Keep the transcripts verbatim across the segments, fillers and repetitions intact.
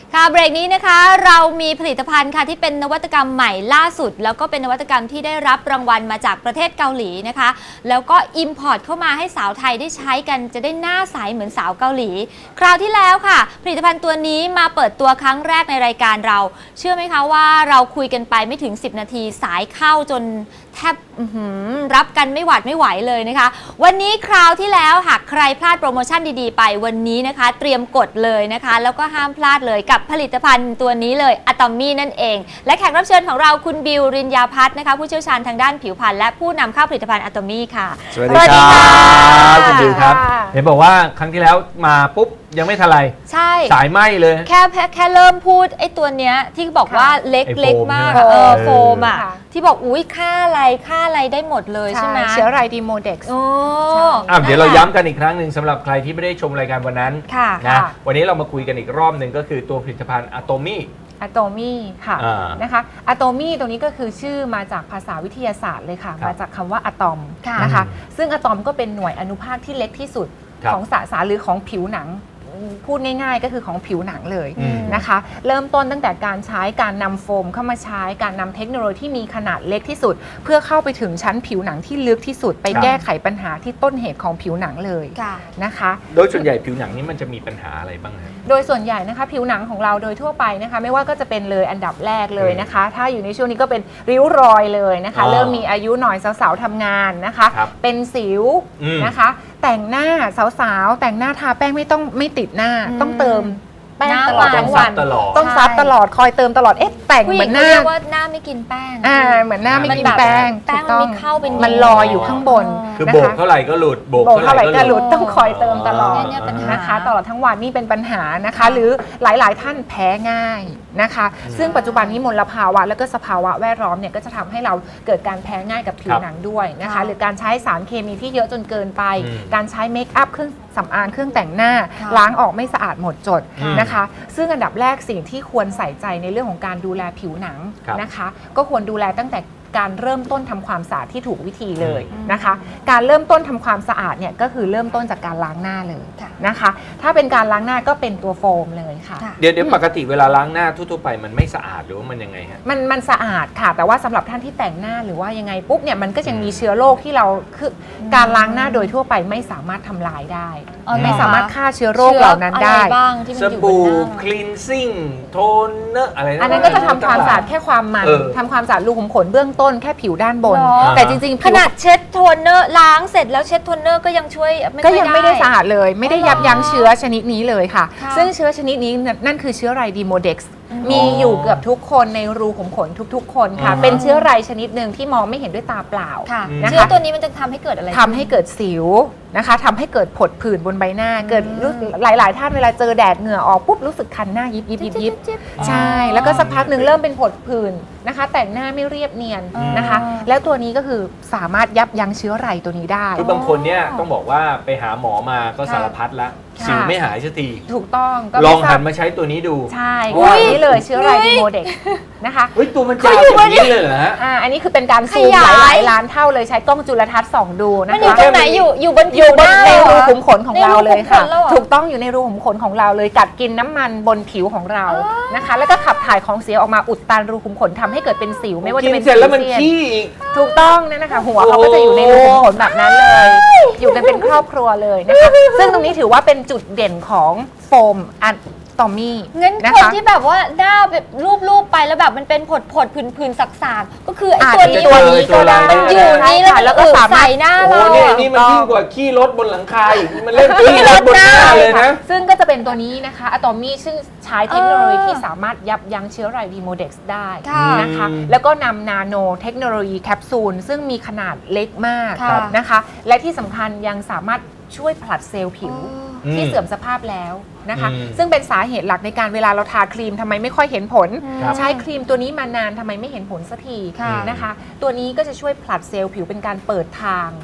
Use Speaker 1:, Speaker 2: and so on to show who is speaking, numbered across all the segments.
Speaker 1: ค่ะเบรกนี้นะคะเรามีผลิตภัณฑ์ค่ะที่เป็นนวัตกรรมใหม่ล่าสุดแล้วก็เป็นนวัตกรรมที่ได้รับรางวัลมาจากประเทศเกาหลีนะคะแล้วก็อิมพอร์ตเข้ามาให้สาวไทยได้ใช้กันจะได้หน้าใสเหมือนสาวเกาหลีคราวที่แล้วค่ะผลิตภัณฑ์ตัวนี้มาเปิดตัวครั้งแรกในรายการเราเชื่อไหมคะว่าเราคุยกันไปไม่ถึงสิบนาทีสายเข้าจนแทบรับกันไม่หวาดไม่ไหวเลยนะคะวันนี้คราวที่แล้วหากใครพลาดโปรโมชั่นดีๆไปวันนี้นะคะเตรียมกดเลยนะคะแล้วก็ห้ามพลาดเลยกับผลิตภัณฑ์ตัวนี้เลยอะตอมมี่นั่นเองและแขกรับเชิญของเราคุณบิวรินยาพัฒน์นะคะผู้เชี่ยวชาญทางด้านผิวพรรณและผู้นำเข้าผลิตภัณฑ์อะตอมมี่ค่ะ
Speaker 2: สวัสดีครับคุณบิวครับเห็นบอกว่าครั้งที่แล้วมาปุ๊บยังไม่ทันไร
Speaker 1: ใช่
Speaker 2: สายไหมเลย
Speaker 1: แค่แค่เริ่มพูดไอ้ตัวเนี้ยที่บอกว่าเล็กเล็กมากเออโฟมอ่ะที่บอกอุ้ยค่าอะไรค่าอะไรได้หมดเลยใช่ไหม
Speaker 3: เชื้อไรดีโมเด็กซ์
Speaker 1: โอ้
Speaker 2: อ่ะเดี๋ยวเราย้ำกันอีกครั้งหนึ่งสำหรับใครที่ไม่ได้ชมรายการวันนั้นนะวันนี้เรามาคุยกันอีกรอบหนึ่งก็คือตัวผลิตภัณฑ์อะตอมมี่
Speaker 3: อะตอมี่ค่ะนะคะอะตอมี่ตรงนี้ก็คือชื่อมาจากภาษาวิทยาศาสตร์เลยค่ะมาจากคำว่าอะตอมนะคะซึ่งอะตอมก็เป็นหน่วยอนุภาคที่เล็กที่สุดของสสารหรือของผิวหนังพูดง่ายๆก็คือของผิวหนังเลยนะคะเริ่มต้นตั้งแต่การใช้การนำโฟมเข้ามาใช้การนำเทคโนโลยีที่มีขนาดเล็กที่สุดเพื่อเข้าไปถึงชั้นผิวหนังที่ลึกที่สุดไปแก้ไขปัญหาที่ต้นเหตุของผิวหนังเลยนะคะ
Speaker 2: โดยส่วนใหญ่ผิวหนังนี้มันจะมีปัญหาอะไรบ้างครับ
Speaker 3: โดยส่วนใหญ่นะคะผิวหนังของเราโดยทั่วไปนะคะไม่ว่าก็จะเป็นเลยอันดับแรกเลยนะคะถ้าอยู่ในช่วงนี้ก็เป็นริ้วรอยเลยนะคะเริ่มมีอายุหน่อยสาวๆทำงานนะคะเป็นสิวนะคะแต่งหน้าสาวๆแต่งหน้าทาแป้งไม่ต้องไม่ติดหน้าต้องเติมแป้งตลอดทั้งวันต้องซับตลอดคอยเติมตลอดเอ๊ะแต่งเหมือนหน้า
Speaker 1: เรียกว่าหน้าไม่กินแป้ง
Speaker 3: อ่าเหมือนหน้าไม่กินแป้ง
Speaker 1: แป้งมันเข้าเป็น
Speaker 3: มันลอยอยู่ข้างบน
Speaker 2: คือโบกเท่าไหร่ก็หลุดโบก
Speaker 3: เท่าไหร่ก็หลุดต้องคอยเติมตลอดนะคะตลอดทั้งวันนี่เป็นปัญหานะคะหรือหลายๆท่านแพ้ง่ายนะคะซึ่งปัจจุบันนี้มลภาวะแล้วก็สภาวะแวดล้อมเนี่ยก็จะทำให้เราเกิดการแพ้ง่ายกับผิวหนังด้วยนะคะหรือการใช้สารเคมีที่เยอะจนเกินไปการใช้เมคอัพเครื่องสำอางเครื่องแต่งหน้าล้างออกไม่สะอาดหมดจดนะคะซึ่งอันดับแรกสิ่งที่ควรใส่ใจในเรื่องของการดูแลผิวหนังนะคะก็ควรดูแลตั้งแต่การเริ่มต้นทำความสะอาดที่ถูกวิธีเลยนะคะการเริ่มต้นทำความสะอาดเนี่ยก็คือเริ่มต้นจากการล้างหน้าเลยนะคะถ้าเป็นการล้างหน้าก็เป็นตัวโฟมเลยค่ะ
Speaker 2: เดี๋ยวเดี๋ยวปกติเวลาล้างหน้าทั่วๆไปมันไม่สะอาดหรือว่ามันยังไงฮะ
Speaker 3: มันมันสะอาดค่ะแต่ว่าสำหรับท่านที่แต่งหน้าหรือว่ายังไงปุ๊บเนี่ยมันก็ยังมีเชื้อโรคที่เราคือการล้างหน้าโดยทั่วไปไม่สามารถทำลายได้ไม่สามารถฆ่าเชื้อโรคเหล่านั้นได้
Speaker 2: สบู่คลีนซิ่งโทนเนอร์อะไร
Speaker 3: อันนั้นก็จะทำความสะอาดแค่ความมันทำความสะอาดรูขุมขนเบื้องต้นแค่ผิวด้านบนแต่จริงๆ
Speaker 1: ขนาดเช็ดโทนเนอร์ล้างเสร็จแล้วเช็ดโทนเนอร์ก็ยังช่วย
Speaker 3: ก็ยังไม่ได้สะอาดเลยไม่ได้ยับยั้งเชื้อชนิดนี้เลยค่ะซึ่งเชื้อชนิดนี้นั่นคือเชื้อไรดีโมเด็กซ์มีอยู่เกือบทุกคนในรูขุมขนทุกๆคนค่ะเป็นเชื้อไรชนิดหนึ่งที่มองไม่เห็นด้วยตาเปล่า
Speaker 1: เชื้อตัวนี้มันจะทำให้เกิดอะไร
Speaker 3: ทำให้เกิดสิวนะคะทำให้เกิดผดผื่นบนใบหน้าเกิดหลายๆท่านเวลาเจอแดดเหงื่อออกปุ๊บรู้สึกคันหน้ายิบยิบยิบยิบใช่แล้วก็สักพักหนึ่งเริ่มเป็นผดผื่นนะคะแต่งหน้าไม่เรียบเนียนนะคะแล้วตัวนี้ก็คือสามารถยับยั้งเชื้อไรตัวนี้ได้
Speaker 2: คือบางคนเนี่ยต้องบอกว่าไปหาหมอมาก็สารพัดละสิวไม่หายสักที
Speaker 3: ถูกต้อง
Speaker 2: ลองหันมาใช้ตัวนี้ดู
Speaker 3: ใช่ตัวนี้เลยเชื้อไรดีโมเด็กนะคะ
Speaker 2: เฮ้ยตัวมันจะอย่างนี้เลยเหรอฮะ
Speaker 3: อ่าอันนี้คือเป็นการซูมหลายล้านเท่าเลยใช้กล้องจุลทรรศน์ส่องดูนะคะ
Speaker 1: มันอยู่ตรงไหนอยู่อยู่บน
Speaker 3: อยู่บนในรูขุมขนของเราเลยค่ะถูกต้องอยู่ในรูขุมขนของเราเลยกัดกินน้ำมันบนผิวของเรานะคะแล้วก็ขับถ่ายของเสียออกมาอุดตันรูขุมขนทำให้เกิดเป็นสิวไม่ว่าจะเป็น
Speaker 2: เสร็จแล้วมันขี้
Speaker 3: ถูกต้องนั่นนะคะหัวเขาก็จะอยู่ในรูขุมขนแบบนั้นเลยอยู่กันเป็นครอบครัวเลยนะคะซึ่งตรงนี้ถือว่าเป็นจุดเด่นของโฟมอะตอมมี่
Speaker 1: งั้นคนที่แบบว่าหน้าแบบรูปๆไปแล้วแบบมันเป็นผดผดผื่นๆสักๆก็คือไอ้ตัวนี้
Speaker 3: ตัวนี้ก็ได้
Speaker 1: มันอยู่นี่แล้วก็สามารถใส่หน้าเรา
Speaker 2: โอ้นี่นี่มันยิ่งกว่าขี้รถบนหลังคาอีกมันเล่นขี้รถบนหน้าเลยนะ
Speaker 3: ซึ่งก็จะเป็นตัวนี้นะคะอะตอมมี่ซึ่งใช้เทคโนโลยีที่สามารถยับยั้งเชื้อไรดีโมเด็กซ์ได้นะคะแล้วก็นำนาโนเทคโนโลยีแคปซูลซึ่งมีขนาดเล็กมากนะคะและที่สำคัญยังสามารถช่วยผลัดเซลล์ผิวที่เสื่อมสภาพแล้วนะคะซึ่งเป็นสาเหตุหลักในการเวลาเราทาครีมทำไมไม่ค่อยเห็นผลใช้ครีมตัวนี้มานานทำไมไม่เห็นผลสักทีนะคะตัวนี้ก็จะช่วยผลัดเซลล์ผิวเป็นการเปิดทาง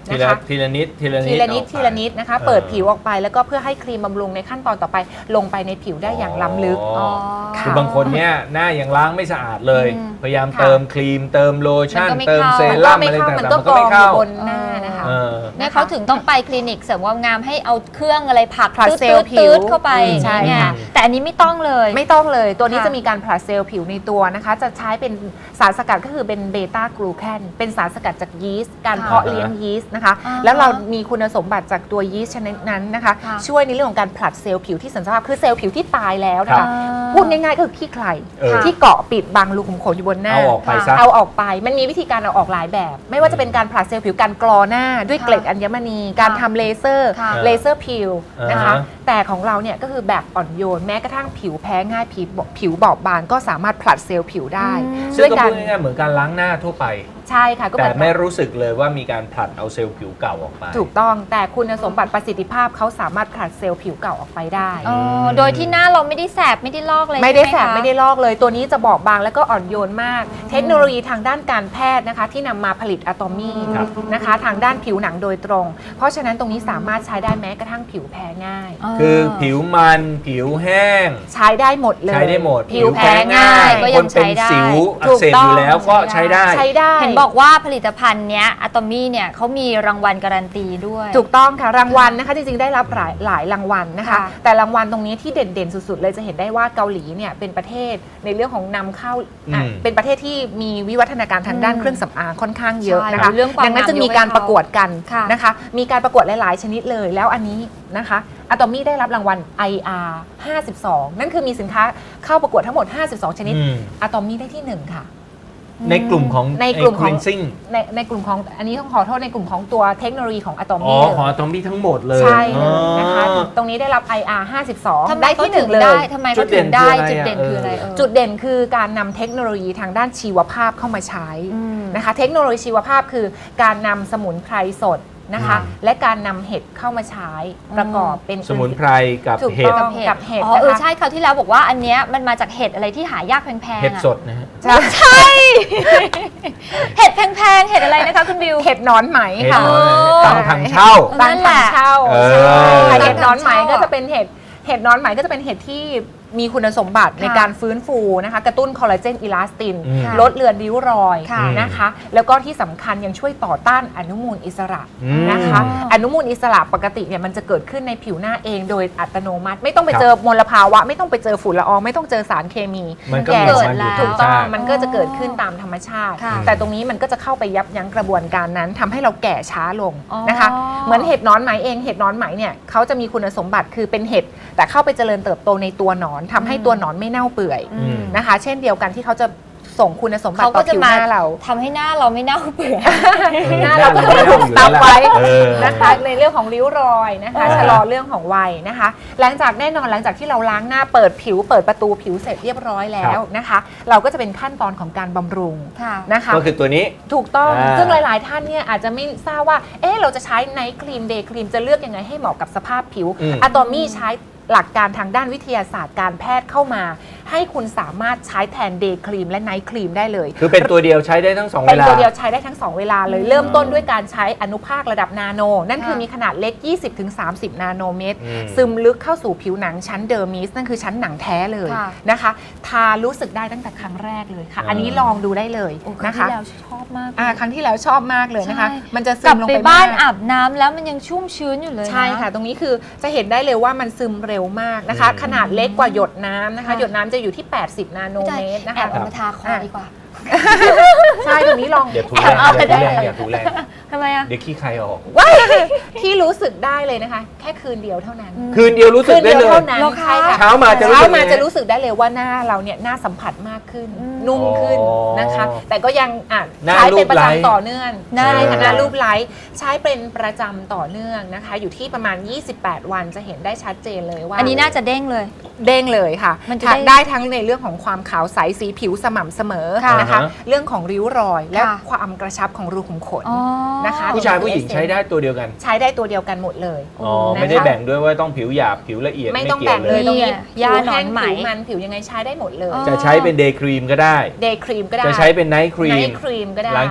Speaker 2: ที
Speaker 3: นะ
Speaker 2: ละ
Speaker 3: คะ
Speaker 2: ทีละนิดทีละนิด
Speaker 3: ทีละนิด
Speaker 2: ออกไป
Speaker 3: ทีละนิดนะคะ
Speaker 2: เออ
Speaker 3: เปิดผิวออกไปแล้วก็เพื่อให้ครีมบำรุงในขั้นตอนต่อไปลงไปในผิวได้อย่างล้ำลึก
Speaker 2: อ๋อ
Speaker 3: ค่ะ
Speaker 2: คือบางคนเนี่ยหน้ายังล้างไม่สะอาดเลย
Speaker 1: อืม
Speaker 2: พยายาม
Speaker 3: ค่ะ
Speaker 2: เติมครีม เติมโลชั่น
Speaker 1: มันก็ไม่
Speaker 2: เติม
Speaker 1: เข้า
Speaker 2: เซ
Speaker 3: มันก็
Speaker 2: รั่ม
Speaker 3: ไม่
Speaker 2: อะไร
Speaker 3: เข้า
Speaker 2: ต่างๆ
Speaker 3: มัน
Speaker 2: มัน
Speaker 3: ก็
Speaker 2: ก็
Speaker 3: ก
Speaker 2: ไม่
Speaker 3: องอ
Speaker 2: เข้า
Speaker 3: ยู่บนหน้านะคะ
Speaker 2: เออ
Speaker 1: เนี่ยเขาถึงต้องไปคลินิกเสริมความงามให้เอาเครื่องอะไรผลัก
Speaker 3: ผลัด
Speaker 1: ตืด
Speaker 3: เซลล์ผิว
Speaker 1: ตืดเข้าไป
Speaker 3: ใช่
Speaker 1: เนี่ย
Speaker 3: ค่ะ
Speaker 1: แต่อันนี้ไม่ต้องเลย
Speaker 3: ไม่ต้องเลยตัวนี้
Speaker 1: ค่ะ
Speaker 3: จะมีการผลัดเซลล์ผิวในตัวนะคะ จะใช้เป็นสารสกัดก็คือเป็นเบต้ากลูแคนเป็นสารสกัดจากยีสต์การ
Speaker 1: ค่ะ
Speaker 3: เพาะเลี้ยงยีสต์นะคะ
Speaker 1: อ่าฮะ
Speaker 3: แล้วเรามีคุณสมบัติจากตัวยีสต์ชนิดนั้นนะคะ
Speaker 1: ค่ะ
Speaker 3: ช่วยในเรื่องของการผลัดเซลล์ผิวที่สันสภาพคือเซลล์ผิวที่ตายแล้วนะ
Speaker 2: ครั
Speaker 3: คะ
Speaker 2: บ
Speaker 3: พูดง่ายๆก็คือขี้ใคร
Speaker 2: เออ
Speaker 3: ที่เกาะปิดบังรูขุมขนอยู่บนหน้า
Speaker 2: เอาออกไปซะ
Speaker 3: เอาออกไปมันมีวิธีการเอาออกหลายแบบ ไม่ว่าจะเป็นการผลัดเซลล์ผิวการกรอหน้า ด้วยเกล็ดอัญมณี การทำเลเซอร์
Speaker 1: ค่ะ
Speaker 3: เลเซอร์ผิวนะคะ
Speaker 2: อ่าฮะ
Speaker 3: แต่ของเราเนี่ยก็คือแบบอ่อนโยนแม้กระทั่งผิวแพ้ง่ายผิวผิวบอบบางก็สามารถผลัดเซลล์ผิวได้
Speaker 1: อืม
Speaker 2: ซึ่
Speaker 3: ด้
Speaker 2: ง
Speaker 3: วย
Speaker 2: ก็
Speaker 3: การ
Speaker 2: พูดง่ายๆเหมือนการล้างหน้าทั่วไป
Speaker 3: ใช่ค่ะก็
Speaker 2: แต่
Speaker 3: เป็น
Speaker 2: ไม่รู้สึกเลยว่ามีการผลัดเอาเซลล์ผิวเก่าออกไป
Speaker 3: ถูกต้องแต่คุณสมบัติประสิทธิภาพเขาสามารถผลัดเซลล์ผิวเก่าออกไปได้
Speaker 1: อ๋อโดยที่หน้าเราไม่ได้แสบไม่ได้ลอกเลย
Speaker 3: ไม่ได้
Speaker 1: ใช่
Speaker 3: แส
Speaker 1: ห
Speaker 3: บ
Speaker 1: คะ
Speaker 3: ไม่ได้ลอกเลยตัวนี้จะบอบบางแล้วก็อ่อนโยนมาก เทคโนโลยีทางด้านการแพทย์นะคะ ที่นำมาผลิตอะตอมี่
Speaker 2: ครับ
Speaker 3: นะคะทางด้านผิวหนังโดยตรง เพราะฉะนั้นตรงนี้สามารถใช้ได้แม้กระทั่งผิวแพ้ง่าย
Speaker 2: คือผิวมันผิวแห้ง
Speaker 3: ใช้ได้หมดเลย
Speaker 2: ใช้ได้หมด
Speaker 3: ผิวแพ้ง่าย
Speaker 1: ก็
Speaker 2: ค
Speaker 1: ยั
Speaker 2: น
Speaker 1: ง
Speaker 2: เป็
Speaker 1: ใช้
Speaker 2: น
Speaker 1: ได้
Speaker 2: สิวอั
Speaker 3: ถู
Speaker 2: ก
Speaker 3: ก
Speaker 2: เสบ
Speaker 3: ต้
Speaker 2: อ
Speaker 3: อง
Speaker 2: ยู่แล้วก็ใช้ได้
Speaker 3: ใช้ได้
Speaker 1: เห็นบอกว่าผลิตภัณฑ์เนี้ยอะตอมี่เนี่ยเขามีรางวัลการันตีด้วย
Speaker 3: ถูกต้องค่ะรางวัลนะคะจริงๆได้รับหลายหลายรางวัลนะคะ
Speaker 1: ค่ะ
Speaker 3: แต่รางวัลตรงนี้ที่เด่นๆสุดๆเลยจะเห็นได้ว่าเกาหลีเนี่ยเป็นประเทศในเรื่องของนำเข้าอ่ะ
Speaker 2: อืม
Speaker 3: เป็นประเทศที่มีวิวัฒนาการทางด้าน
Speaker 1: อืม
Speaker 3: เครื่องสำอางค่อนข้างเยอะ
Speaker 1: ใช่
Speaker 3: นะคะ
Speaker 1: เรื่องความ
Speaker 3: ดังนั้น
Speaker 1: งาม
Speaker 3: จะมีการ
Speaker 1: ยกให้เขา
Speaker 3: ประกวดกัน
Speaker 1: ค่ะ
Speaker 3: นะคะ มีการประกวดหลายๆชนิดเลย แล้วอันนี้นะคะอะตอมี่ได้รับรางวัล ไอ อาร์ ห้าสิบสอง นั่นคือมีสินค้าเข้าประกวดทั้งหมดห้าสิบสองชนิด
Speaker 2: อืม
Speaker 3: อะตอมี่ได้ที่หนึ่งค่ะ
Speaker 2: ในกลุ่มของ
Speaker 3: ในกลุ่มของ
Speaker 2: ไอ้ cleansing
Speaker 3: ในในกลุ่มของอันนี้ต้องขอโทษในกลุ่มของตัวเทคโนโลยีของอะตอ
Speaker 2: อ๋อ
Speaker 3: มี่เลย
Speaker 2: ของอะตอมี่ทั้งหมดเลย
Speaker 3: ใช่เลยนะคะ
Speaker 2: อ๋อ
Speaker 3: ตรงนี้ได้รับ ไอ อาร์ ห้าสิบสอง
Speaker 1: ทำไม
Speaker 3: ได้
Speaker 1: เขา
Speaker 3: ที่ห
Speaker 1: ถึ
Speaker 3: นึ่
Speaker 1: ง
Speaker 3: งเล
Speaker 1: ได้
Speaker 3: ย
Speaker 1: ทำไม
Speaker 2: จุ
Speaker 1: เขา
Speaker 2: ดเด่
Speaker 1: ถึ
Speaker 2: น
Speaker 1: งได้
Speaker 2: คืออะไร
Speaker 1: จุดเด่น
Speaker 2: อ่ะ
Speaker 1: คืออะไร
Speaker 2: เออ
Speaker 1: เออ
Speaker 3: จุดเด่นคือการนำเทคโนโลยีทางด้านชีวภาพเข้ามาใช้
Speaker 1: อืม
Speaker 3: นะคะ เทคโนโลยีชีวภาพคือการนำสมุนไพรสดนะคะ
Speaker 2: อืม
Speaker 3: และการนำเห็ดเข้ามาใช้ประกอบเป็น
Speaker 2: สมุนไพรกับ
Speaker 3: ถูก
Speaker 2: เห็ด
Speaker 3: ต้องกับเห็ด
Speaker 1: อ๋อเออ
Speaker 3: นะคะ
Speaker 1: ใช่คราวที่แล้วบอกว่าอันเนี้ยมันมาจากเห็ดอะไรที่หายากแพงๆ
Speaker 2: เห็ด
Speaker 1: อะ
Speaker 2: สดนะฮะ
Speaker 3: ใช่
Speaker 1: เห็ดแพงๆเห็ดอะไรนะคะคุณบิว
Speaker 3: เห็ดหนอนไหม
Speaker 2: เห็ด
Speaker 3: ค่ะ
Speaker 2: น้อย
Speaker 1: อ๋อ
Speaker 2: ตังทางเช่า
Speaker 1: นั่
Speaker 3: บาง
Speaker 1: นแห
Speaker 3: ถั
Speaker 1: ละ
Speaker 3: งเช่า
Speaker 2: เออ
Speaker 3: ใช่
Speaker 1: บางถัง
Speaker 3: เห็ดนอนไหม
Speaker 1: เช่า
Speaker 3: ก็จะเป็นเห็ดเห็ดนอนไหมก็จะเป็นเห็ดที่มีคุณสมบัติในการฟื้นฟูนะคะกระตุ้นคอลลาเจนอิลาสติน
Speaker 2: อืม
Speaker 3: ลดเลือนริ้วรอย
Speaker 1: ค่ะ
Speaker 3: นะคะ แล้วก็ที่สำคัญยังช่วยต่อต้านอนุมูลอิสระ
Speaker 2: อืม
Speaker 3: นะคะ
Speaker 1: อ๋อ
Speaker 3: อนุมูลอิสระปกติเนี่ยมันจะเกิดขึ้นในผิวหน้าเองโดยอัตโนมัติ ไม่ต้องไป
Speaker 2: ครับ
Speaker 3: เจอมลภาวะ ไม่ต้องไปเจอฝุ่นละอองไม่ต้องเจอสารเคมี
Speaker 2: มันก็
Speaker 3: แก่
Speaker 2: มีของมันอยู่
Speaker 1: เกิดแล้ว
Speaker 2: ธรรม
Speaker 3: ถูกต้อง
Speaker 2: ชาติ
Speaker 3: มันก็จะเกิดขึ้นตามธรรมชาติ
Speaker 1: ค่ะ
Speaker 3: แต่ตรงนี้มันก็จะเข้าไปยับยั้งกระบวนการนั้นทำให้เราแก่ช้าลง
Speaker 1: อ๋อ
Speaker 3: นะคะ เหมือนเห็ดนอนไหมเองเห็ดนอนไหมเนี่ยเขาจะมีคุณสมบัติคือเป็นเห็ดแต่เข้าไปเจริญเติบโตในตัวหนอนทำให้ตัวหนอนไม่เน่าเปื่อย
Speaker 1: อืม
Speaker 3: นะคะ เช่นเดียวกันที่เขาจะส่งคุณสมบัติ
Speaker 1: เขา
Speaker 3: ต่
Speaker 1: ก็
Speaker 3: อ
Speaker 1: จะ
Speaker 3: ผิว
Speaker 1: มา
Speaker 3: หน้าเรา
Speaker 1: ทำให้หน้าเราไม่เน่าเปื่อย
Speaker 3: หน้าเราก็จะถูกซับไว้
Speaker 2: เออ
Speaker 3: นะคะในเรื่องของริ้วรอยนะคะ
Speaker 2: อ่า
Speaker 3: ชะลอเรื่องของวัยนะคะ หลังจากแน่นอนหลังจากที่เราล้างหน้าเปิดผิว เปิดประตูผิวเสร็จเรียบร้อยแล้วนะคะ เราก็จะเป็นขั้นตอนของการบำรุง
Speaker 1: ค่ะ
Speaker 3: นะคะ
Speaker 2: ก็คือตัวนี้
Speaker 3: ถูกต้อง
Speaker 2: อ่า
Speaker 3: ซึ่งหลาย ๆ ท่านเนี่ยอาจจะไม่ทราบว่า เอ๊ะเราจะใช้ไนท์ครีมเดย์ครีมจะเลือกยังไงให้เหมาะกับสภาพผิว
Speaker 2: อืม
Speaker 3: อะตอมี่ใช้หลักการทางด้านวิทยาศาสตร์การแพทย์เข้ามา ให้คุณสามารถใช้แทนเดย์ครีมและไนท์ครีมได้เลย
Speaker 2: คือเป็นตัวเดียวใช้ได้ทั้งสอง
Speaker 3: เป็
Speaker 2: เวน ลา
Speaker 3: ตัวเดียวใช้ได้ทั้ง สอง เวลาเลย
Speaker 1: อืม
Speaker 3: เริ่มต้นด้วยการใช้อนุภาคระดับนาโน นั่นคือ
Speaker 1: ค่ะ
Speaker 3: มีขนาดเล็ก ยี่สิบถึงสามสิบ นาโนเมตร
Speaker 2: อืม
Speaker 3: ซึมลึกเข้าสู่ผิวหนังชั้นเดอร์มิส นั่นคือชั้นหนังแท้เลย
Speaker 1: ค่ะ
Speaker 3: นะคะ ทารู้สึกได้ตั้งแต่ครั้งแรกเลยค่ะ
Speaker 2: อ่า
Speaker 3: อันนี้ลองดูได้เลย
Speaker 1: โอ้ครั้ง
Speaker 3: นะคะ
Speaker 1: ที่แล้วชอบมาก
Speaker 3: อ่าครั้งที่แล้วชอบมากเลยนะคะ
Speaker 1: ใช่
Speaker 3: มันจะซึ
Speaker 1: กลับ
Speaker 3: มลง
Speaker 1: ไป
Speaker 3: ไป
Speaker 1: บ้าน
Speaker 3: มก
Speaker 1: อาบน้ำแล้วมันยังชุ่มชื้นอยู่เลยน
Speaker 3: ใช่ค่ะ ตรงนี้คือจะเห็นได้เลยว่ามันซึมเร็วมากนะคะ
Speaker 2: อืม
Speaker 3: ขนาดเล็กกว่าหยดน้ำนะคะ
Speaker 1: ค่ะ
Speaker 3: หยดน้ำจะอยู่ที่ แปดสิบ นาโน
Speaker 1: พี่
Speaker 3: เม
Speaker 1: จอย
Speaker 3: ตรนะ
Speaker 1: แอ
Speaker 3: คะ
Speaker 1: บเอามาทาคอดีกว่า
Speaker 3: ใช่ตรงนี้ลอง
Speaker 2: อย่าถูแรง
Speaker 1: เอา
Speaker 2: อย่า
Speaker 1: ได้
Speaker 2: ถูแรงอย่าถูแรง
Speaker 1: ทำไมอะ
Speaker 2: เดี๋ยวขี้ใครออก
Speaker 3: ว้ายที่รู้สึกได้เลยนะคะ แค่คืนเดียวเท่านั้น
Speaker 1: อืม
Speaker 2: คืนเดียวรู้สึก
Speaker 3: คืน
Speaker 2: ได้
Speaker 3: เดียว
Speaker 2: เลย
Speaker 3: เท่านั้น
Speaker 1: เหรอคะ
Speaker 3: ใช่ค่ะ
Speaker 2: เช้ามาจะรู้
Speaker 3: เช้า
Speaker 2: สึก
Speaker 3: มา
Speaker 2: ยังไง
Speaker 3: จะรู้สึกได้เลยว่าหน้าเราเนี่ยหน้าสัมผัสมากขึ้น
Speaker 1: อืม
Speaker 3: นุ่มขึ้นนะคะ
Speaker 2: อ๋อ
Speaker 3: แต่ก็ยังอ่ะ
Speaker 2: หน้า
Speaker 3: ใช้เป็นประ
Speaker 2: รูปไลท์
Speaker 3: จำต่อเนื่อง
Speaker 1: หน้า
Speaker 3: ใช่ค่ะ
Speaker 2: เออ
Speaker 3: หน้ารูปไลท์ใช้เป็นประจำต่อเนื่องนะคะ อยู่ที่ประมาณ ยี่สิบแปด วันจะเห็นได้ชัดเจนเลยว่า
Speaker 1: อันนี้น่าจะเด้งเลย
Speaker 3: เด้งเลยค่ะ
Speaker 1: มันจะ
Speaker 3: ค่ะ
Speaker 1: ได้
Speaker 3: ได้ทั้งในเรื่องของความขาวใสสีผิวสม่ำเสมอ
Speaker 1: ค่ะ
Speaker 3: นะคะ เรื่องของริ้วรอยและ
Speaker 1: ค่ะ
Speaker 3: ความกระชับของรูขุมขน
Speaker 1: อ๋อ
Speaker 3: นะคะ
Speaker 2: ผู้ชายผู้หญิงใช้ได้ตัวเดียวกัน
Speaker 3: ใช้ได้ตัวเดียวกันหมดเลย
Speaker 2: อ๋อ
Speaker 3: นะคะ
Speaker 2: ไม่ได้แบ่งด้วยว่าต้องผิวหยาบผิวละเอียด
Speaker 3: ไม่ต้อง
Speaker 2: กี่
Speaker 3: แบ่
Speaker 2: ยว
Speaker 3: งเลยตรงนี้
Speaker 1: ยา
Speaker 3: ผิว
Speaker 1: หนอ
Speaker 3: แห้
Speaker 1: น
Speaker 3: ง
Speaker 1: ไหม
Speaker 3: ผิวมันผิวยังไงใช้ได้หมดเลย
Speaker 1: อ๋อ
Speaker 2: จะใช้เป็นเดย์ครีมก็ได้
Speaker 3: เดย์ครีมก็ได้
Speaker 2: จะใช้เป็นไนท์ครี
Speaker 3: ไน
Speaker 2: ม
Speaker 3: ท์ครีมก็ได้
Speaker 2: หลังจาก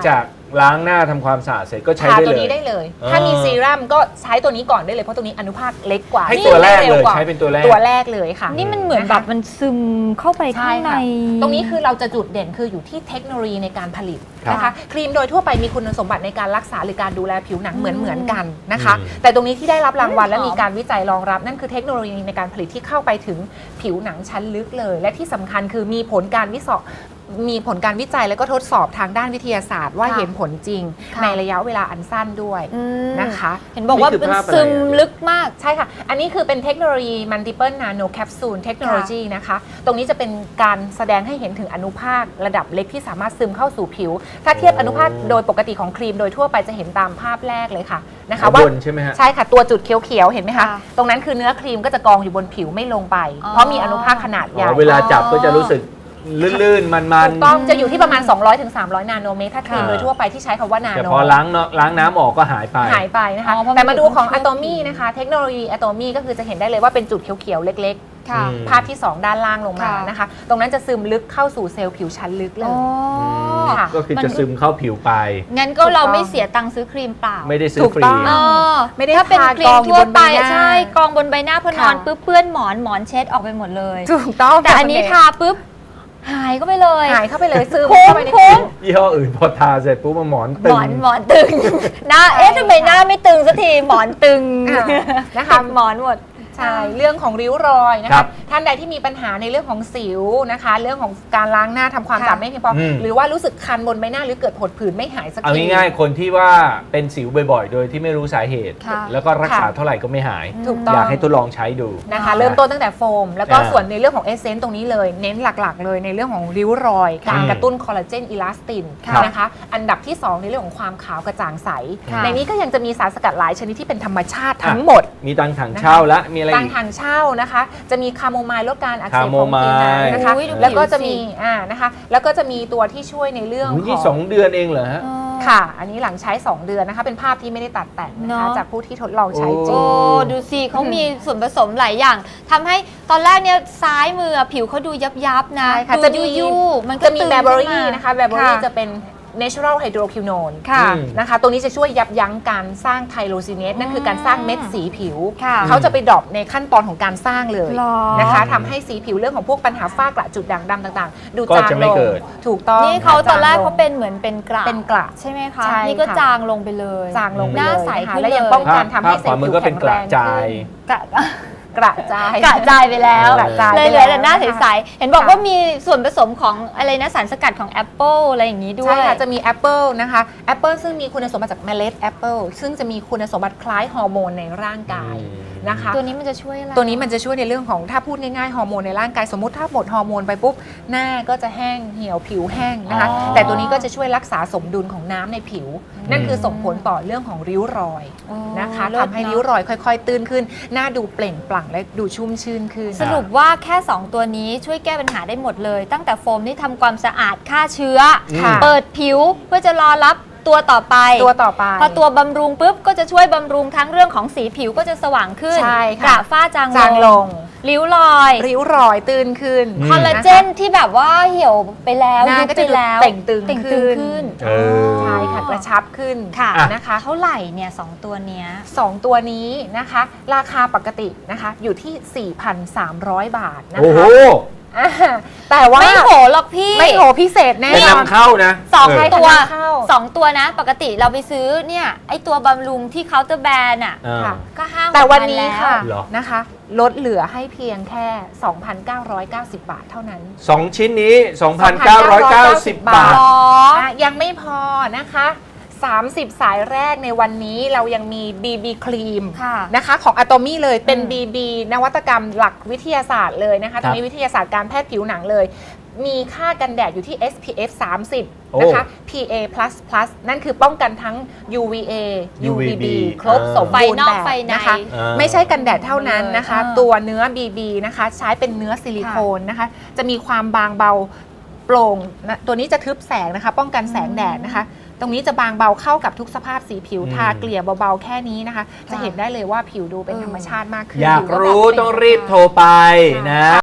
Speaker 2: ล้างหน้าทำความสะอาดเสร็จก็ใช้
Speaker 3: ทา
Speaker 2: ได้
Speaker 3: ตัว
Speaker 2: เลย
Speaker 3: นี้ได้เลย
Speaker 2: อ่า
Speaker 3: ถ้ามีซีรั่มก็ใช้ตัวนี้ก่อนได้เลยเพราะตัวนี้อนุภาคเล็กกว่า
Speaker 2: ให้ตัวแรกเลย
Speaker 3: วกว่า
Speaker 2: ใช้เป็นตัวแรก
Speaker 3: ตัวแรกเลยค่ะ
Speaker 1: นี่มันเหมือนแบบมันซึมเข้าไป
Speaker 3: ใช่
Speaker 1: ข้างใน
Speaker 3: ค่ะตรงนี้คือเราจะจุดเด่นคืออยู่ที่เทคโนโลยีในการผลิต
Speaker 2: ครับ
Speaker 3: นะคะครีมโดยทั่วไปมีคุณสมบัติในการรักษาหรือการดูแลผิวหนังเหมือนเหมือนกันนะคะ
Speaker 2: อืม
Speaker 3: แต่ตรงนี้ที่ได้รับรางวัลและ
Speaker 1: หอม
Speaker 3: มีการวิจัยรองรับ นั่นคือเทคโนโลยีในการผลิตที่เข้าไปถึงผิวหนังชั้นลึกเลย และที่สำคัญคือมีผลการวิจัยมีผลการวิจัยแล้วก็ทดสอบทางด้านวิทยาศาสตร์ว่า
Speaker 1: ค่ะ
Speaker 3: เห็นผลจริง
Speaker 1: ค่ะ
Speaker 3: ในระยะเวลาอันสั้นด้วย
Speaker 1: อืม
Speaker 3: นะคะ
Speaker 1: เห็นบอกว่า
Speaker 2: นี่คือ
Speaker 1: มัน
Speaker 2: ภาพอะไร
Speaker 1: ซึม
Speaker 2: อ่ะ
Speaker 1: ลึกมาก
Speaker 3: ใช่ค่ะ อันนี้คือเป็นเทคโนโลยี multiple nano capsule technology นะคะ ตรงนี้จะเป็นการแสดงให้เห็นถึงอนุภาคระดับเล็กที่สามารถซึมเข้าสู่ผิว ถ้าเทียบอนุภาคโดยปกติของครีมโดยทั่วไปจะเห็นตามภาพแรกเลยค่ะนะคะ
Speaker 2: ข้าง
Speaker 3: ว่า
Speaker 2: บนใช่ไหมฮะ
Speaker 3: ใช่ค่ะ ตัวจุดเขียวๆ เห็นไหมคะ
Speaker 1: ค่ะ
Speaker 3: ตรงนั้นคือเนื้อครีมก็จะกองอยู่บนผิวไม่ลงไป
Speaker 1: อ๋อ
Speaker 3: เพราะมีอนุภาคขนาดให
Speaker 2: อ๋
Speaker 3: ญ่
Speaker 2: อเวลาจับก็จะรู้สึกลื่นๆ มัน
Speaker 3: ถูกต้องจะอยู่ที่ประมาณ สองร้อยถึงสามร้อย นาโนเมตรถ้าครีม
Speaker 2: อ่า
Speaker 3: โดยทั่วไปที่ใช้คำว่านา
Speaker 2: ๆแต่
Speaker 3: โน
Speaker 2: พอล้างเนาะล้างน้ำออกก็หายไป
Speaker 3: หายไปนะคะ
Speaker 1: อ๋อเพราะมัน
Speaker 3: แต่มาดูของ
Speaker 1: อยู่
Speaker 3: อะ
Speaker 1: บน
Speaker 3: โตมี่นะคะ เทคโนโลยีอะโตมี่ก็คือจะเห็นได้เลยว่าเป็นจุดเขียวๆ เล็กๆ
Speaker 1: ค่ะ
Speaker 2: อืม
Speaker 3: ภาพที่ สอง ด้านล่างลงมา
Speaker 1: ค่ะ
Speaker 3: นะคะ ตรงนั้นจะซึมลึกเข้าสู่เซลล์ผิวชั้นลึกเล
Speaker 1: อ๋
Speaker 3: ย
Speaker 1: อ
Speaker 3: ค่ะ
Speaker 2: ก็คือ
Speaker 1: มัน
Speaker 2: จะซึมเข้าผิวไป
Speaker 1: งั้นก็
Speaker 3: ถูกต้อง
Speaker 1: เราไม่เสียตังค์ซื้อครีมเปล่า
Speaker 2: ไม่ได้ซื้อ
Speaker 3: ถูก
Speaker 2: ฟรี
Speaker 3: ต้อง
Speaker 1: เออ
Speaker 3: ไม่ได้
Speaker 1: ถ้าเป็น
Speaker 3: ทา
Speaker 1: ครี
Speaker 3: กอ
Speaker 1: ม
Speaker 3: งอยู่
Speaker 1: ทั่ว
Speaker 3: บน
Speaker 1: ไป
Speaker 3: ใบหน้า
Speaker 1: ใช่กองบนใบหน้าพอนอน
Speaker 3: ค่ะ
Speaker 1: ปุ๊บเปื้อนหมอนหมอนเช็ดออกไปหมดเลย
Speaker 3: ถูกต้อง
Speaker 1: แต่อันนี้ทาปุ๊บหายก็ไปเลย
Speaker 3: หายเข้าไปเลยซึม
Speaker 1: คุ้ม
Speaker 3: เข้าไปใน
Speaker 1: คุ้
Speaker 3: ผิ
Speaker 1: ม
Speaker 3: ว
Speaker 2: ยี่ห้ออื่นพอทาเสร็จปุ๊บมันหมอน
Speaker 1: ห
Speaker 2: ตึ
Speaker 1: ม
Speaker 2: ง
Speaker 1: อนหมอนตึง หน้าเอ๊ะทำไมหน้าไม่ตึงสักทีหมอนตึง
Speaker 3: อ่านะคะ
Speaker 1: ติดหมอนหมด
Speaker 3: ใช่เรื่องของริ้วรอยนะ
Speaker 2: ครั
Speaker 3: คะ
Speaker 2: บ
Speaker 3: ท่านใดที่มีปัญหาในเรื่องของสิวนะคะ เรื่องของการล้างหน้าทำความ
Speaker 1: ค่ะ
Speaker 3: สะอาดไม่เพียงพออ
Speaker 2: ม
Speaker 3: หรือว่ารู้สึกคันบนใบหน้าหรือเกิดผดผื่นไม่หายสัก
Speaker 2: เอา
Speaker 3: ที
Speaker 2: ง่ายๆคนที่ว่าเป็นสิวบ่อยๆ โดยที่ไม่รู้สาเหตุ
Speaker 1: ค่ะ
Speaker 2: แล้วก็รักษา
Speaker 3: ค่ะ
Speaker 2: เท่าไหร่ก็ไม่หาย
Speaker 3: ถูกต้อง
Speaker 2: อยากให้ทดลองใช้ดู
Speaker 3: นะคะเริ่มต้นตั้งแต่โฟม แล้วก็
Speaker 2: อ่า
Speaker 3: ส่วนในเรื่องของเอเซนต์ตรงนี้เลย เน้นหลักๆ เลยในเรื่องของริ้วรอย การกระตุ้นคอลลาเจนอิลาสติน
Speaker 1: ค่ะ
Speaker 3: นะคะอันดับที่ สอง ในเรื่องของความขาวกระจ่างใส
Speaker 1: ค่ะ
Speaker 3: ในนี้ก็ยังจะมีสารสกัดหลายชนิดที่เป็นธรรมชาติทั้งหมด
Speaker 2: มีตังถังเช่าและมีอะไร
Speaker 3: ตัง
Speaker 2: อีก
Speaker 3: ทางเช่านะคะ จะมีคาโมไมล์ลดการอักเสบ
Speaker 2: คาโม
Speaker 3: ของ
Speaker 2: ไมล์
Speaker 3: ผิวหนังนะคะ
Speaker 1: อุ๊ยดู
Speaker 3: แล้วก็จะ
Speaker 1: ผิวสิ
Speaker 3: มีอ่านะคะแล้วก็จะมีตัวที่ช่วยในเรื่อง
Speaker 2: อุ๊ย
Speaker 3: ข
Speaker 2: นี่
Speaker 3: อง
Speaker 2: สองเดือนเองเหรอฮะ
Speaker 1: อ๋อ
Speaker 3: ค่ะ อันนี้หลังใช้ สอง เดือนนะคะ เป็นภาพที่ไม่ได้ตัดแต่งนะคะ
Speaker 1: เนอะ
Speaker 3: จากผู้ที่ทดลองใช้จริ
Speaker 1: โอ้
Speaker 3: ง
Speaker 1: ดูสิเขามีส่วนผสมหลายอย่างทำให้ตอนแรกเนี่ยซ้ายมือผิวเขาดูยับยับๆนะ
Speaker 3: ใช่ค่ะ
Speaker 1: ดู
Speaker 3: จะมี
Speaker 1: ยู่ๆมันก็
Speaker 3: จะมี
Speaker 1: ตึง
Speaker 3: แบเบอ
Speaker 1: ขึ้
Speaker 3: รี่
Speaker 1: มา
Speaker 3: นะคะแบเบอรี่
Speaker 1: ค่ะ
Speaker 3: จะเป็น natural hydroquinone
Speaker 1: ค่ะ
Speaker 2: อืม
Speaker 3: นะคะ ตัวนี้จะช่วยยับยั้งการสร้างไทโรซิเนสนั่นคือการสร้างเม็ดสีผิว
Speaker 1: ค่ะ
Speaker 3: เขาจะไปดรอปในขั้นตอนของการสร้างเลย
Speaker 1: หรอ
Speaker 3: นะคะทำให้สีผิวเรื่องของพวกปัญหาฝ้ากระจุดด่างดำต่างๆ ดู
Speaker 2: ก็
Speaker 3: จาง
Speaker 2: จะไม่
Speaker 3: ลง
Speaker 2: เกิด
Speaker 3: ถูกต้อง
Speaker 1: นี่เขาตอนแรก
Speaker 3: จงลง
Speaker 1: เขาเป็นเหมือนเป็นกระ
Speaker 3: เป็นกระ
Speaker 1: ใช่ไหมคะ
Speaker 3: ใช่
Speaker 1: นี่ก็
Speaker 3: ค่ะ
Speaker 1: จางลงไปเลย
Speaker 3: จางลงไป
Speaker 1: หน้า
Speaker 3: เลย
Speaker 1: ใส
Speaker 3: นะคะ
Speaker 1: ขึ้น
Speaker 3: และยัง
Speaker 1: เลย
Speaker 3: ป้องกันทำให้
Speaker 2: ภาพ
Speaker 3: เซ
Speaker 2: ข
Speaker 3: ล
Speaker 2: วา
Speaker 3: ล์
Speaker 2: มื
Speaker 3: ผิ
Speaker 2: อ
Speaker 3: ว
Speaker 2: ก็เป็
Speaker 3: แข็
Speaker 2: น
Speaker 3: ง
Speaker 2: ก
Speaker 3: แร
Speaker 2: ระ
Speaker 3: ง
Speaker 2: จาย
Speaker 3: ขึ้น
Speaker 1: กระ
Speaker 3: กระจาย
Speaker 1: กระจายไปแล้ว
Speaker 3: กระจาย
Speaker 1: เลยเหลือแต่หน้า
Speaker 3: ไปแล้ว
Speaker 1: ใสๆเห็นบอกว่ามีส่วนผสมของอะไรนะสารสกัดของแอปเปิลอะไรอย่างนี้ด้วย
Speaker 3: ใช่ค่ะ จะมีแอปเปิลนะคะแอปเปิลซึ่งมีคุณสมบัติจากเมล็ดแอปเปิลซึ่งจะมีคุณสมบัติคล้ายฮอร์โมนในร่างกาย
Speaker 2: อืม
Speaker 3: นะคะ
Speaker 1: ตัวนี้มันจะช่วยอะไร
Speaker 3: ตัวนี้มันจะช่วยในเรื่องของถ้าพูดง่ายๆฮอร์โมนในร่างกายสมมติถ้าหมดฮอร์โมนไปปุ๊บหน้าก็จะแห้งเหี่ยวผิวแห้งนะคะ
Speaker 2: อ๋อ
Speaker 3: แต่ตัวนี้ก็จะช่วยรักษาสมดุลของน้ำในผิว นั่นคือส่งผลต่อเรื่องของริ้วรอย
Speaker 1: อ๋อ
Speaker 3: นะคะ
Speaker 1: เลิศ
Speaker 3: ทำให้ริ้วรอยค่อยๆ ตื้นขึ้น หน้าดูเปล่งปลั่งและดูชุ่มชื่นขึ้น
Speaker 1: สรุปว่าแค่ สอง ตัวนี้ช่วยแก้ปัญหาได้หมดเลย ตั้งแต่โฟมนี่ทำความสะอาดฆ่าเชื้อ
Speaker 3: ค่ะ
Speaker 1: เปิดผิวเพื่อจะรอรับตัวต่อไป
Speaker 3: ตัวต่อไป
Speaker 1: พอตัวบำรุงปุ๊บก็จะช่วยบำรุงทั้งเรื่องของสีผิวก็จะสว่างขึ้น
Speaker 3: ใช่
Speaker 1: ก
Speaker 3: ค่ะ
Speaker 1: ระฝ้าจาง
Speaker 3: จางลง
Speaker 1: ริ้วรอย
Speaker 3: ริ้วรอยตื้นขึ้น
Speaker 2: อืม
Speaker 1: คอลลาเจนที่แบบว่าเหี่ยวไปแล้ว
Speaker 3: หน้า
Speaker 1: ยุบ
Speaker 3: ก็
Speaker 1: ไป
Speaker 3: จะดู
Speaker 1: แล้ว
Speaker 3: เต่งตึง
Speaker 1: เต่งตึง
Speaker 3: ขึ้น
Speaker 1: ขึ้น
Speaker 2: เออ
Speaker 3: ใช่ค่ะกระชับขึ้น
Speaker 1: ค่ะ
Speaker 3: นะคะ
Speaker 1: เท่าไหร่เนี่ยสองตัวเนี้ย
Speaker 3: สองตัวนี้นะคะ ราคาปกตินะคะอยู่ที่ สี่พันสามร้อย บาทนะ
Speaker 2: โอ้โห
Speaker 3: คะอ่าแต่ว่า
Speaker 1: ไม่โหหรอกพี่
Speaker 3: ไม่โหพิเศษแน่
Speaker 2: เป็น
Speaker 3: นอน
Speaker 2: นำเข้านะ
Speaker 1: สอง
Speaker 2: เ
Speaker 1: ตัว
Speaker 3: ใช่ค่ะนำเข้า
Speaker 1: สองตัวนะ ปกติเราไปซื้อเนี่ยไอตัวบำรุงที่เคาน์เตอร์แบรนด์อ่ะ
Speaker 2: อ่า
Speaker 3: ค่ะ
Speaker 1: ก็ห้า
Speaker 3: แต่วัน
Speaker 1: หกพั
Speaker 3: นี้
Speaker 1: แล้ว
Speaker 3: ค่ะ
Speaker 2: เหรอ
Speaker 3: นะคะ ลดเหลือให้เพียงแค่ สองพันเก้าร้อยเก้าสิบ บาทเท่านั้น
Speaker 2: สองชิ้นนี้ สองพันเก้าร้อยเก้าสิบ บาท
Speaker 1: หรอ
Speaker 3: อ่ะยังไม่พอนะคะ สามสิบ สายแรกในวันนี้เรายังมี บี บี ครีม
Speaker 1: ค่ะ
Speaker 3: นะคะของ Atomy เลยเป็น
Speaker 1: อืม
Speaker 3: บี บี นวัตกรรมหลักวิทยาศาสตร์เลยนะคะตรงนี้วิทยาศาสตร์การแพทย์ผิวหนังเลย มีค่ากันแดดอยู่ที่ เอส พี เอฟ สามสิบ นะคะ พี เอ นั่นคือป้องกันทั้ง ยู วี เอ ยู วี บี ครบสม
Speaker 1: ไฟ
Speaker 3: บูรณ์
Speaker 1: นอก
Speaker 3: แบบ
Speaker 1: ไฟใน
Speaker 3: นะคะ
Speaker 2: อ่า
Speaker 3: ไม่ใช่กันแดดเท่านั้นนะคะ
Speaker 1: อ่า
Speaker 3: ตัวเนื้อ บี บี นะคะ ใช้เป็นเนื้อซิลิโคนนะคะ จะมีความบางเบาโปร่งนะตัวนี้จะทึบแสงนะคะ ป้องกันแสงแดดนะคะ ตรงนี้จะบางเบาเข้ากับทุกสภาพสีผิว
Speaker 2: อืม
Speaker 3: ทาเกลี่ยเบาๆแค่นี้นะคะ จะเห็นได้เลยว่าผิวดูเป็นธรรมชาติมากขึ้น
Speaker 2: อยาก
Speaker 3: ผิวแบบ
Speaker 2: รู้
Speaker 3: เปล่ง
Speaker 2: ต้องรีบโทรไปนะ